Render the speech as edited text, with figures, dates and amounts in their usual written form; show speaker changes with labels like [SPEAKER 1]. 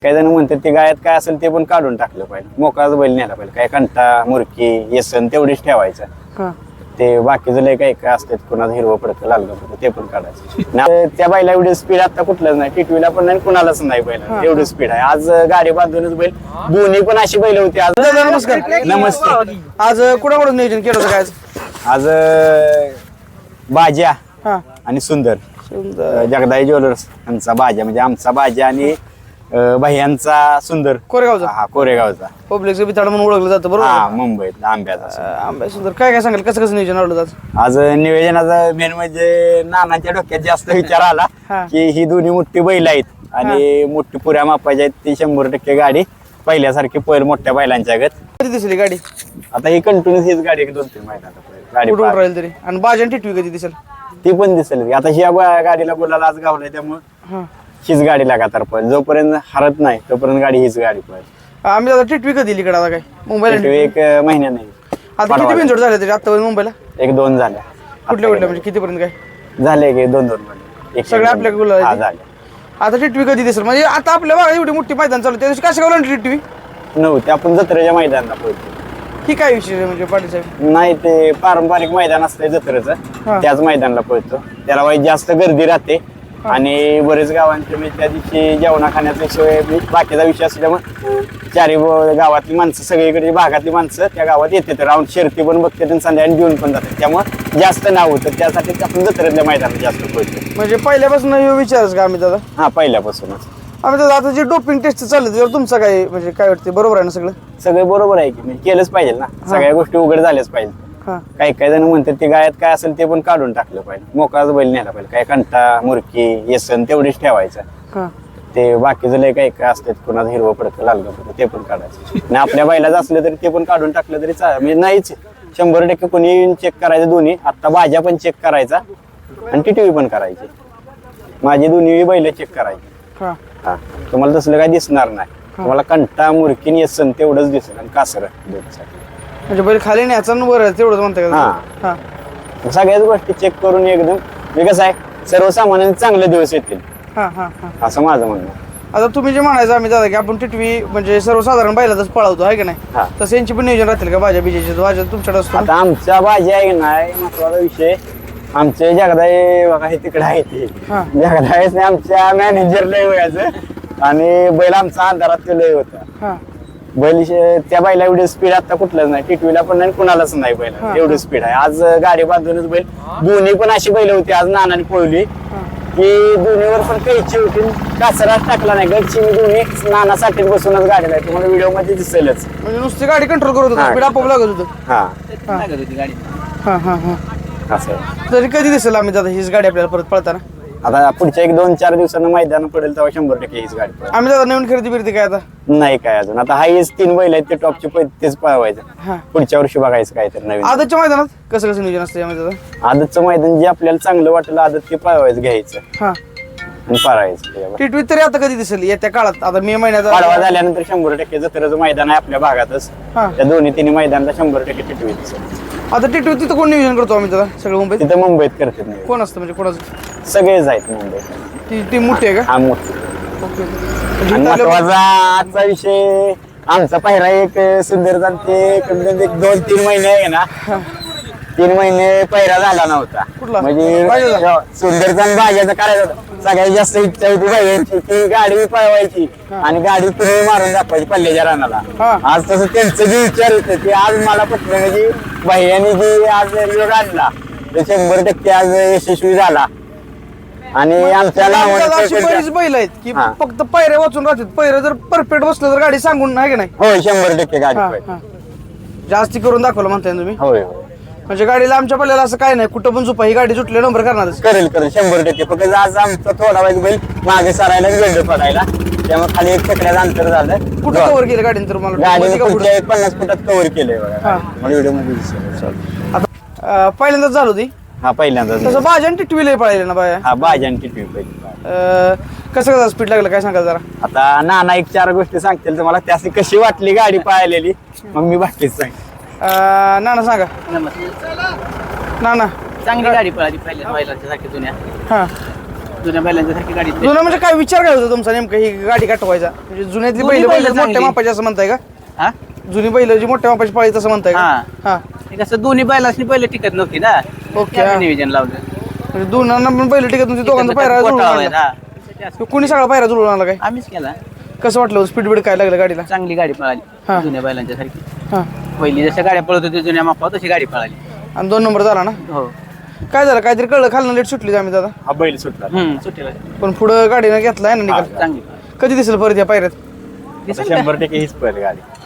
[SPEAKER 1] काही जण म्हणतात ते गायात काय असेल ते पण काढून टाकलं पाहिजे, मोकळाच बैल न्यायला पाहिजे. काय कंटा मुरकी येसन तेवढीच ठेवायचं. ते बाकीचं लय काही काय असतात, कुणाचं हिरवं पडतं लाल पडतं ते पण काढायचं. त्या बैला एवढी स्पीड आता कुठलंच नाही, टिटवीला पण नाही कुणालाच नाही बैला एवढी स्पीड आहे. आज गाडी बांधूनच बैल दोन्ही पण अशी बैल होती. आज
[SPEAKER 2] नमस्कार.
[SPEAKER 1] नमस्ते.
[SPEAKER 2] आज कुणाकडून नियोजन केलं होतं काय
[SPEAKER 1] आज बाज्या आणि सुंदर जगदाई ज्वेलर्स यांचा बाजा, म्हणजे आमचा बाजा आणि भाईयांचा सुंदर
[SPEAKER 2] कोरेगावचा.
[SPEAKER 1] हा कोरेगावचा
[SPEAKER 2] पब्लिकचं बिताड म्हणून ओळखलं जातं
[SPEAKER 1] हा
[SPEAKER 2] बरोबर.
[SPEAKER 1] मुंबईत आंब्याचा.
[SPEAKER 2] आंबे सुंदर काय काय सांगाल, कसं नियोजन आवडलं आज?
[SPEAKER 1] आज नियोजनाचा मेन म्हणजे नानाच्या डोक्यात जास्त विचार आला की ही दोन्ही मोठी बैल आहेत आणि मोठी पुऱ्या मापाची आहेत, ती 100% गाडी पहिल्यासारखी पहिल मोठ्या बैलांच्या गत.
[SPEAKER 2] कधी दिसली गाडी?
[SPEAKER 1] आता ही कंटिन्यूस हीच गाडी 2-3 महिन्यात गाडी
[SPEAKER 2] कुठून राहील तरी. आणि बाजन टिटवी कधी दिसेल?
[SPEAKER 1] ती पण दिसेल. आता ह्या गाडीला बोलायला आज गावलाय त्यामुळे हीच गाडी लगातार पळेल, जोपर्यंत हरत नाही तोपर्यंत गाडी हीच गाडी पळेल.
[SPEAKER 2] आम्ही आता टिटवी कधी इकडे आता काय मुंबईला?
[SPEAKER 1] एक महिन्या नाही.
[SPEAKER 2] आता किती बिनजोड झाले तरी आतापर्यंत मुंबईला?
[SPEAKER 1] 1-2 झाल्या.
[SPEAKER 2] कुठल्या म्हणजे कितीपर्यंत काय
[SPEAKER 1] झाले की 2-2
[SPEAKER 2] सगळे आपल्या गुलाल आहेत.
[SPEAKER 1] झाले.
[SPEAKER 2] आता टिटवी कधी दिसेल म्हणजे आता आपल्या भागात एवढी मोठी मैदान चालू, त्या दिवशी कशा गावला टिटवी
[SPEAKER 1] नव्हते. आपण जत्रेच्या मैदानाला पोहोचतो.
[SPEAKER 2] ही काय विषय आहे म्हणजे पाटील साहेब?
[SPEAKER 1] नाही, ते पारंपरिक मैदान असतंय जत्रेचं, त्याच मैदानाला पळतो. त्याला वाईट जास्त गर्दी राहते आणि बरेच गावांचे म्हणजे त्या दिवशी जेवणा खाण्याचा सोय बाकीचा विषय असल्यामुळे चारी गावातली माणसं, सगळीकडे भागातली माणसं त्या गावात येते, राऊंड शर्ती पण बघते आणि संध्याकाळी घेऊन पण जातात. त्यामुळे जास्त नाव होतं, त्यासाठी आपण जत्रेतल्या मैदानात जास्त पळतो.
[SPEAKER 2] म्हणजे पहिल्यापासून विचारच का आम्ही दादा?
[SPEAKER 1] हा, पहिल्यापासूनच.
[SPEAKER 2] आम्ही दादा आता जे डोपिंग टेस्ट चालले त्यावर तुमचं काय म्हणजे काय वाटते, बरोबर आहे ना सगळं?
[SPEAKER 1] सगळं बरोबर आहे की, म्हणजे केलंच पाहिजे ना, सगळ्या गोष्टी उघड झाल्याच पाहिजे. काही काही जण म्हणतात ते गायात काय असेल ते पण काढून टाकलं पाहिजे, मोकळाच बैल न्यायला पाहिजे. काय कंटा मुरकी येसन तेवढीच ठेवायचं. ते बाकीचं लय काही काय असतात, कुणाचं हिरवं पडतं लाल पडतं ते पण काढायचं. आणि आपल्या बैलाच असलं तरी ते पण काढून टाकलं तरी म्हणजे नाहीच. 100% कोणी चेक करायचं दोन्ही. आता बाजा पण चेक करायचा आणि टिटवी पण करायची. माझी दोन्ही बैल चेक करायची. हा, तुम्हाला तसलं काय दिसणार नाही. तुम्हाला कंटा मुरकी येसन तेवढंच दिसेल आणि कासर
[SPEAKER 2] म्हणजे बैल खाली न्यायचा वर तेवढंच म्हणता का?
[SPEAKER 1] सगळ्याच गोष्टी चेक करून एकदम कसं आहे, सर्वसामान्यांचे चांगले दिवस येतील असं माझं म्हणणं.
[SPEAKER 2] आता तुम्ही जे म्हणायचं आम्ही दादा की आपण टिटवी म्हणजे सर्वसाधारण बैलाच पळवतो आहे की नाही, तसं यांची पण नियोजन राहतील का भाज्या बिजेचे? भाज्या तुमच्याकडे असतो?
[SPEAKER 1] आता आमच्या भाजी आहे नाही महत्वाचा विषय. आमचे जगदाई बघा हे तिकडे आहे, ते जगदाईच नाही आमच्या मॅनेजर लय व्हायचं आणि बैल आमचा अंधारात लय होता. बैल त्या बैला एवढी स्पीड आता कुठलंच नाही, टिटवीला पण नाही कुणालाच नाही बैला एवढी स्पीड आहे. आज गाडी बांधूनच बैल दोन्ही पण अशी बैल होती आज नानाने पळवली की दोन्हीवर पण कैची होती, कासराच टाकला नाही. गडची मी दोन्ही नानासाठी बसूनच गाडीला आहे, तुम्हाला व्हिडिओ मध्ये दिसेलच.
[SPEAKER 2] म्हणजे नुसती गाडी कंट्रोल करत होती, स्पीड आपोआप लागत होतं.
[SPEAKER 1] असं
[SPEAKER 2] तरी कधी दिसेल आम्ही दादा हीच गाडी आपल्याला परत पळताना?
[SPEAKER 1] आता पुढच्या 1-2-4 दिवसांना मैदान पडेल तेव्हा 100% हीच गाडी पडेल.
[SPEAKER 2] आम्ही दादा नवीन खरेदी बिरती काय आता
[SPEAKER 1] नाही काय अजून. आता हाच 3 बैल आहेत ते टॉपचे, तेच पळवायचं. पुढच्या वर्षी बघायचं काय तर नवीन.
[SPEAKER 2] आदतच्या मैदानात कसं कसं नियोजन असतं यामध्ये दादा?
[SPEAKER 1] आदतचं मैदान जे आपल्याला चांगलं वाटेल आदत ते पळवायचं, घ्यायचं आणि पाळायचं.
[SPEAKER 2] टिटवी तरी आता कधी दिसेल येत्या काळात? आता मे महिन्यात
[SPEAKER 1] पाडवा झाल्यानंतर 100% जत्रेचं मैदान आहे आपल्या भागातच. त्या 2-3 मैदानाला 100% टिटवी दिसेल.
[SPEAKER 2] आता टिटवी तिथं कोण नियोजन करतो आम्ही दादा? सगळं मुंबईत?
[SPEAKER 1] तिथं मुंबईत करतात नाही,
[SPEAKER 2] कोण असतं म्हणजे कोणाचं?
[SPEAKER 1] सगळेच आहेत मुंबईत.
[SPEAKER 2] ती टीम मोठी आहे का?
[SPEAKER 1] हा, मोठी.
[SPEAKER 2] ओके.
[SPEAKER 1] आणि महत्वाचा आजचा विषय आमचा पहिला एक सुंदर ते 2-3 महिने आहे ना, 3 महिने पहिला झाला नव्हता. म्हणजे सुंदरचा आणि भाज्याचा करायचा होता. सगळ्यात जास्त इच्छा होती भाज्यांची की गाडी पळवायची आणि गाडी तुम्ही मारून दाखवायची पल्ल्याच्या रानाला. आज तसं त्यांचं जे विचार होतं ते आज मला पटलं, म्हणजे भाईयांनी जे आज योग आणला ते 100% आज यशस्वी झाला. आणि आमच्या
[SPEAKER 2] बरीच बैल आहेत की फक्त पैरे वाचून राहतात. पैरे जर परफेक्ट बसलं तर गाडी सांगून आहे की नाही?
[SPEAKER 1] होय, 100% गाडी
[SPEAKER 2] जास्ती करून दाखवलं म्हणताय तुम्ही?
[SPEAKER 1] होय.
[SPEAKER 2] म्हणजे गाडीला आमच्या पल्ल्याला असं काय नाही, कुठं पण झोपा ही गाडी सुटले नंबर करणार
[SPEAKER 1] करेल 100%. फक्त आज आमचा थोडा वेळ बैल मागे सरायला गंड पडायला, त्यामुळे खाली 1 चकड्याचं अंतर झालं.
[SPEAKER 2] कुठं कव्हर केलं गाडीने तर मला?
[SPEAKER 1] गाडीने 50 फुटात कव्हर केलंय बघा व्हिडिओ मध्ये दिसेल.
[SPEAKER 2] आता पहिल्यांदाच झालं होती.
[SPEAKER 1] हा, पहिल्यांदा
[SPEAKER 2] तसं भाज्या आणि टिटवी लय पळायला ना बाया.
[SPEAKER 1] हा, भाजी आणि टिटवी पहिली.
[SPEAKER 2] कसं स्पीड लागलं काय सांगाल जरा?
[SPEAKER 1] आता नाना 1-4 गोष्टी सांगतील तुम्हाला, त्याची कशी वाटली गाडी पाहिलेली, मग मी बाकीच सांग.
[SPEAKER 2] नाना सांगा.
[SPEAKER 3] नमस्ते.
[SPEAKER 2] नाना
[SPEAKER 3] चांगली गाडी पळाली पहिल्या बैलांच्या सारखी जुन्या. जुन्या बैलांच्या सारखी गाडी
[SPEAKER 2] जुना म्हणजे काय विचार काय होता तुमचा नेमकं ही गाडी काटवायचा म्हणजे जुन्यातली
[SPEAKER 3] जुनी
[SPEAKER 2] बैल
[SPEAKER 3] बैलं
[SPEAKER 2] मोठ्या
[SPEAKER 3] चांगली.
[SPEAKER 2] मापाची असं म्हणताय का
[SPEAKER 3] हा
[SPEAKER 2] जुनी बैल जी मोठ्या मापाची पाळी तसं म्हणताय का
[SPEAKER 3] हा.
[SPEAKER 2] हा
[SPEAKER 3] हे कसं दोन्ही बैलासनी पहिले टिकत नव्हती ना
[SPEAKER 2] ओके,
[SPEAKER 3] त्यामुळे
[SPEAKER 2] हा.
[SPEAKER 3] नियोजन लावलं
[SPEAKER 2] म्हणजे दोनांना पण बैल टिकत तुमची दोघांचा पायरा जुळून
[SPEAKER 3] गोठा
[SPEAKER 2] आणला.
[SPEAKER 3] लावायचा. त्यासाठी असं
[SPEAKER 2] कोणी सगळा पायरा जुळून आला काय
[SPEAKER 3] आम्हीच केला
[SPEAKER 2] कसं वाटलं स्पीड बीड काय लागलं गाडीला
[SPEAKER 3] चांगली गाडी
[SPEAKER 2] हा.
[SPEAKER 3] पळाली जुन्या बैलांच्या सारखी
[SPEAKER 2] हा
[SPEAKER 3] पहिली जशा गाड्या पळत होती जुन्या मापावर तशी गाडी पळाली
[SPEAKER 2] आणि 2 नंबर झाला ना
[SPEAKER 3] हो
[SPEAKER 2] काय झालं काहीतरी कळलं खालनं लेट सुटली आम्ही दादा
[SPEAKER 1] हा बैल सुटला
[SPEAKER 3] सुट्टीला
[SPEAKER 2] पण पुढं गाडीनं घेतलाय ना निकाल
[SPEAKER 3] चांगली
[SPEAKER 2] कधी दिसेल परत या पायऱ्यात
[SPEAKER 3] दिसेल का?
[SPEAKER 1] 100% हीच पळेल गाडी